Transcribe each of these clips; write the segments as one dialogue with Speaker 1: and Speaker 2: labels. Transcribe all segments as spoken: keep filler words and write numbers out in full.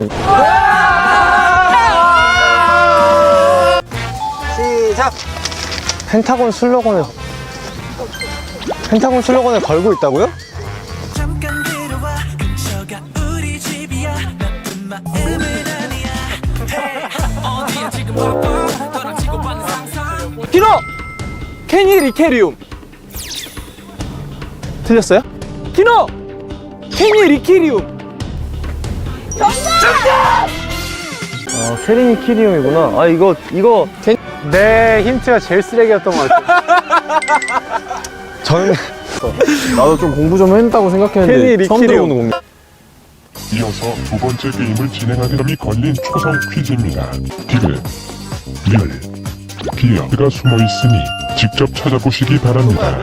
Speaker 1: 시작! 펜타곤 슬로건을 펜타곤 슬로건을 걸고 있다고요?
Speaker 2: 키노! 케니리케리움. 틀렸어요? 키노! 케니리키리움.
Speaker 1: 어, 케리니키리움이구나. 아, 이거, 이거. 제... 내 힌트가 제일 쓰레기였던 것 같아. 저는. 나도 좀 공부 좀 했다고 생각했는데. 처음 들어보는 공부.
Speaker 3: 이어서 두 번째 게임을 진행하는 점이 걸린 초성 퀴즈입니다. 디귿, 리얼, 비어가 숨어 있으니 직접 찾아보시기 바랍니다.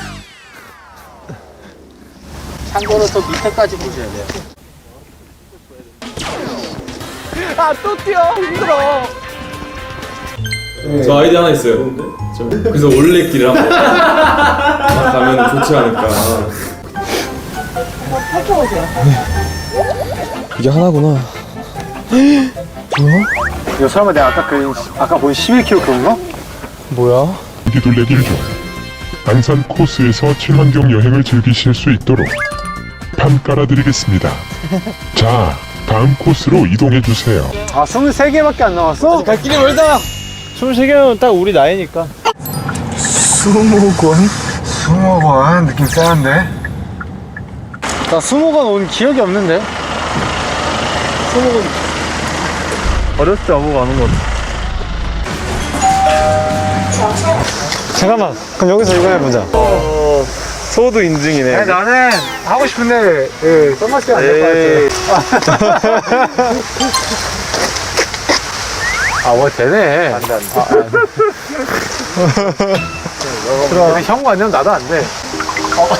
Speaker 4: 참고로 또 밑에까지 보셔야 돼요.
Speaker 2: 아, 또 뛰어. 힘들어.
Speaker 5: 저 아이디어 하나 있어요. 저 그래서 올레길을 한번 가면 좋지 않을까.
Speaker 1: 이게 하나구나. 뭐야? 이거 설마 내가 아까 그, 아까 본 십일 킬로그램 그건가? 뭐야?
Speaker 3: 기둘레길 중 안산 코스에서 친환경 여행을 즐기실 수 있도록 판 깔아드리겠습니다. 자, 다음 코스로 이동해주세요.
Speaker 1: 아, 스물세 개밖에 안 남았어?
Speaker 2: 갈 길이 멀다.
Speaker 1: 스물세 개면 딱 우리 나이니까. 수목원? 수목원 느낌 쎄한데? 나 수목원 온 기억이 없는데? 수목원 어렸을 때 와보고 아는 것 같아. 잠깐만, 그럼 여기서 이거 해보자. 어, 소도 인증이네. 아니, 나는 하고 싶은데 예, 선글라스가 안 될 것 같아. 아, 뭐 되네. 안 돼, 안 돼. 아, 안 돼. 그럼 형과 아니면 나도 안 돼. 어.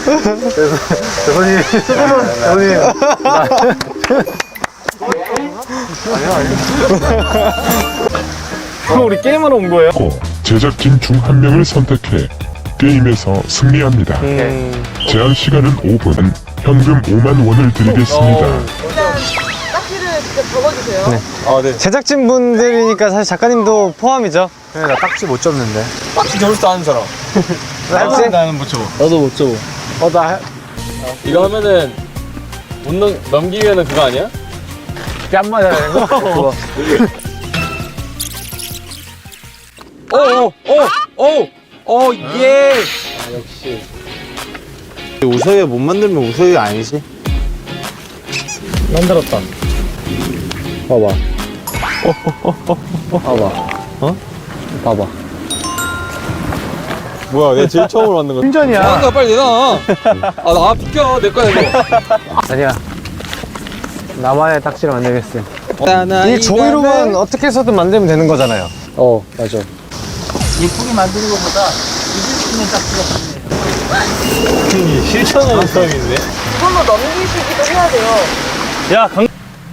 Speaker 1: 대선님, 대선님. 아니야, 아니야. 그럼 우리 게임하러 온 거예요?
Speaker 3: 고 제작진 중 한 명을 선택해 게임에서 승리합니다.
Speaker 1: 음.
Speaker 3: 제한 시간은 오 분, 현금 오만 원을 드리겠습니다.
Speaker 6: 일단 딱지를 직접 적어주세요.
Speaker 1: 네. 아, 네. 제작진 분들이니까 사실 작가님도 포함이죠. 네, 나 딱지 못 접는데.
Speaker 2: 딱지 접을 줄 아는 사람.
Speaker 1: 딱지?
Speaker 2: 나는 못 접어.
Speaker 1: 나도 못 접어. 어, 나
Speaker 5: 이거 하면은 못 넘, 넘기면은 그거 아니야?
Speaker 1: 뺨 맞아야 되는 거? 그거.
Speaker 2: 오, 오, 오, 오, 예.
Speaker 1: 역시. 우서이 못 만들면 우서이가 아니지? 만들었다. 봐봐. 봐봐. 어? 봐봐.
Speaker 2: 뭐야, 내가 제일 처음으로 만든 거.
Speaker 1: 충전이야.
Speaker 2: 아, 빨리 내놔. 아, 나 비켜. 내 거야, 이거.
Speaker 1: 아니야. 나만의 딱지를 만들겠어. 이 종이로만 어떻게 해서든 만들면 되는 거잖아요. 어, 맞아.
Speaker 4: 예쁘게 만드는 것보다 잊을 수 있는 딱지가 좋네요.
Speaker 1: 실천하는 사람인데?
Speaker 6: 이걸로 넘기시기도 해야 돼요.
Speaker 1: 야, 강.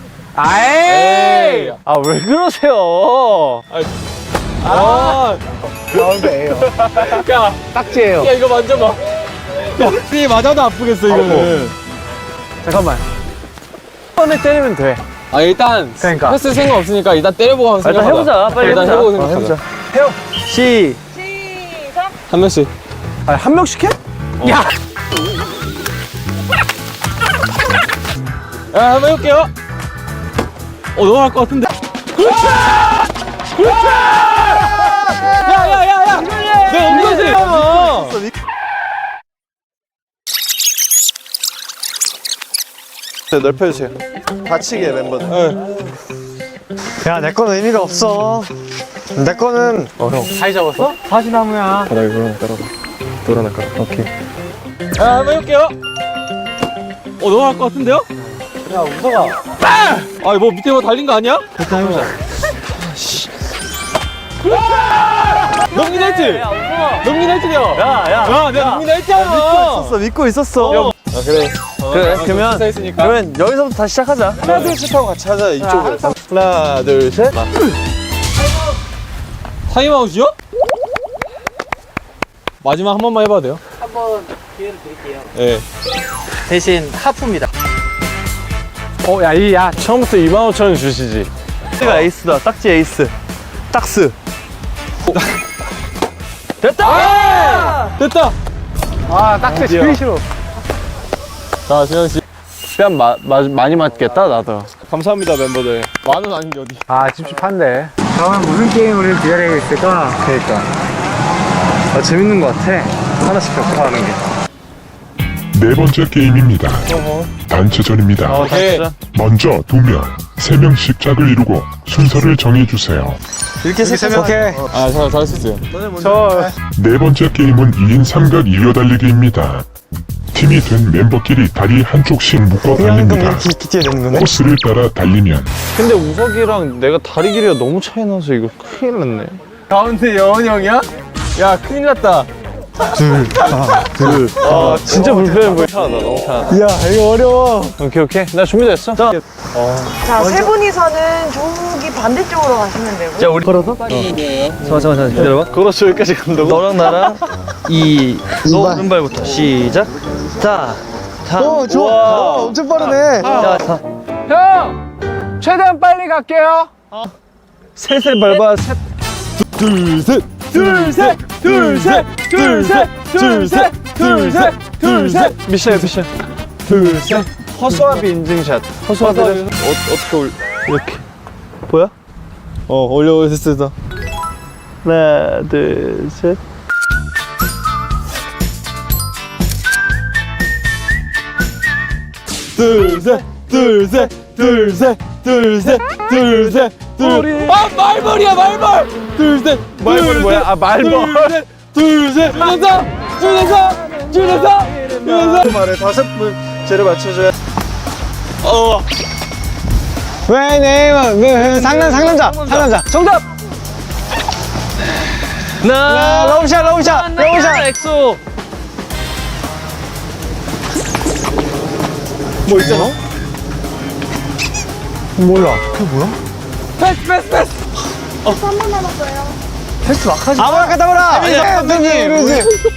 Speaker 1: 아이! 아, 왜 그러세요?
Speaker 2: 아,
Speaker 1: 가운데에요.
Speaker 2: 야,
Speaker 1: 딱지예요.
Speaker 2: 야, 이거 만져봐. 이 맞아도 아프겠어, 이거는.
Speaker 1: 잠깐만. 한 번에 때리면 돼.
Speaker 2: 아, 일단
Speaker 1: 그러니까.
Speaker 2: 했을 생각 없으니까 일단 때려보고 한번
Speaker 1: 일단
Speaker 2: 생각하자.
Speaker 1: 해보자. 빨리
Speaker 2: 일단
Speaker 1: 해보자.
Speaker 2: 해보고
Speaker 1: 어,
Speaker 2: 생각하자.
Speaker 1: 해보자. 해요. 시.
Speaker 6: 시작!
Speaker 2: 한 명씩.
Speaker 1: 아니, 한 명씩 해? 야!
Speaker 2: 야, 한번 해볼게요. 어, 넘어갈 것 같은데. 그렇지! 그렇지! 야, 야, 야, 야! 내가 옮겨지!
Speaker 1: 넓혀주세요. 다치게 멤버들. 야, 내 거는 의미가 없어. 내 거는. 어, 형. 사이 잡았어? 사시나무야. 바닥에 돌아나 깔아봐. 돌아나 깔아. 오케이.
Speaker 2: 야, 한번 해볼게요. 어, 넘어갈 것 같은데요?
Speaker 1: 야, 우서가.
Speaker 2: 아, 뭐 밑에 뭐 달린 거 아니야?
Speaker 1: 일단 해보자.
Speaker 2: 넘긴 했지? 넘긴 했지요?
Speaker 1: 야, 야.
Speaker 2: 야, 내가 넘긴 했잖아.
Speaker 1: 있었어, 믿고 있었어.
Speaker 2: 아, 그래.
Speaker 1: 그래, 그러면.
Speaker 2: 했으니까.
Speaker 1: 그러면 여기서부터 다시 시작하자. 하나, 둘, 셋 하고 같이 하자, 이쪽으로. 하나, 둘, 셋.
Speaker 2: 타임아웃이요? 마지막 한 번만 해봐도 돼요?
Speaker 4: 한번 기회를 드릴게요.
Speaker 2: 네.
Speaker 4: 대신 하프입니다.
Speaker 2: 어, 야, 이, 야, 처음부터 이만 오천 원 주시지.
Speaker 1: 딱지가 에이스다. 딱지 에이스. 딱스.
Speaker 2: 됐다! 됐다!
Speaker 1: 아, 딱지 제일 싫어.
Speaker 2: 자, 수현 씨. 뺨 마, 마, 많이 맞겠다, 나도. 감사합니다, 멤버들. 만 원 아닌 게 어디.
Speaker 1: 아, 찝찝한데. 다음엔 무슨 게임을 기다리고 있을까? 그니까. 아, 재밌는 것 같아. 하나씩 격파하는 게.
Speaker 3: 네 번째 게임입니다. 단체전입니다.
Speaker 2: 어, 진짜?
Speaker 3: 먼저 두 명, 세 명씩 짝을 이루고 순서를 정해주세요.
Speaker 1: 이렇게 세 명. 오케이.
Speaker 2: 아, 잘, 잘할 수 있어요.
Speaker 1: 저,
Speaker 3: 네 번째 게임은 이 인 삼각 이어 달리기입니다. 팀이 된 멤버끼리 다리 한쪽씩 묶어 달립니다.
Speaker 1: 기티에 되는 거네?
Speaker 3: 코스를 따라 달리면
Speaker 2: 근데 우석이랑 내가 다리 길이가 너무 차이 나서 이거 큰일 났네. 가운데 여원이 형이야? 야, 큰일 났다. 둘, 아, 둘. 아, 진짜 불편해 보여. 차다, 너무 차다.
Speaker 1: 야, 이거 어려워.
Speaker 2: 오케이, 오케이. 나 준비됐어. 자,
Speaker 6: 자, 세 분이서는 저기 반대쪽으로 가시면 되고.
Speaker 1: 자, 우리 걸어서? 잠깐, 잠깐, 잠깐. 기다려봐.
Speaker 2: 걸어서 여기까지 간다고?
Speaker 1: 너랑 나랑 이, 너 오른발부터 시작. 자, 자. 오, 좋아. 오, 엄청 빠르네. 자, 자.
Speaker 2: 형! 최대한 빨리 갈게요.
Speaker 1: 셋을 밟아. 셋.
Speaker 2: 둘, 셋! 둘, 셋! 둘, 셋! 둘, 셋! 둘, 셋! 둘, 셋! 둘, 셋!
Speaker 1: 미션, 미션.
Speaker 2: 둘, 셋!
Speaker 1: 허수아비 인증샷. 허수아비를
Speaker 2: 어, 어떻게 올,
Speaker 1: 이렇게. 보여?
Speaker 2: 어, 올려, 됐어.
Speaker 1: 하나, 둘, 셋.
Speaker 2: 둘, 셋! 둘, 셋! 둘, 셋! 둘, 셋! 둘, 셋! 둘, 아, 말벌이야, 말벌! 둘, 셋!
Speaker 1: 말벌이 뭐야? 아, 말벌.
Speaker 2: 둘, 셋! 둘, 셋! 줄여서! 줄여서! 줄여서! 줄여서!
Speaker 1: 말에 다섯 문제를 맞춰줘야.
Speaker 2: 어.
Speaker 1: 왜, 네, 왜, 상남, 상남자, 상남자. 정답! 나, 러브샷, 러브샷, 러브샷.
Speaker 2: 엑소!
Speaker 1: 뭐 있잖아? 몰라. 그게 뭐야?
Speaker 2: 패스, 패스, 패스!
Speaker 6: 한 번 남았어요.
Speaker 1: 패스 막 하지 마. 아브라카다브라!
Speaker 2: 선생님.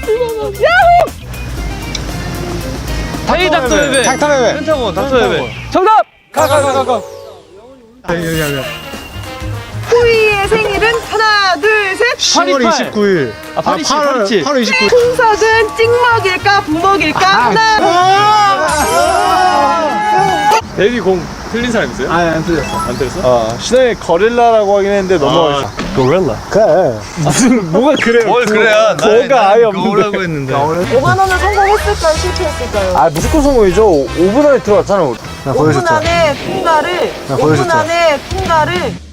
Speaker 2: 타이 닥터베베!
Speaker 1: 닥터베베.
Speaker 2: 펜타곤, 닥터베베. 정답! 가, 가, 가, 가, 가.
Speaker 6: 후이의 생일은 하나, 둘, 셋.
Speaker 1: 시월 이십구일.
Speaker 2: 아, 파리치, 파리치.
Speaker 1: 팔월 이십구일.
Speaker 6: 풍석은 찍먹일까, 부먹일까? 하나.
Speaker 2: 데뷔 공 틀린 사람 있어요?
Speaker 1: 아니, 안 틀렸어.
Speaker 2: 안 틀렸어? 아, 신영이 거릴라라고 하긴 했는데 넘어가.
Speaker 1: 고릴라. 그래.
Speaker 2: 무슨, 뭐가 그래요?
Speaker 5: 뭘 그래야?
Speaker 2: 뭐가 아예 없는데.
Speaker 5: 거라고 했는데.
Speaker 6: 오만 원은 성공했을까요, 실패했을까요?
Speaker 1: 아, 무조건 성공이죠. 오 분 안에 들어왔잖아. 우리. 나
Speaker 6: 오 분 안에 통과를, 오 분
Speaker 1: 보여줬죠.
Speaker 6: 안에 통과를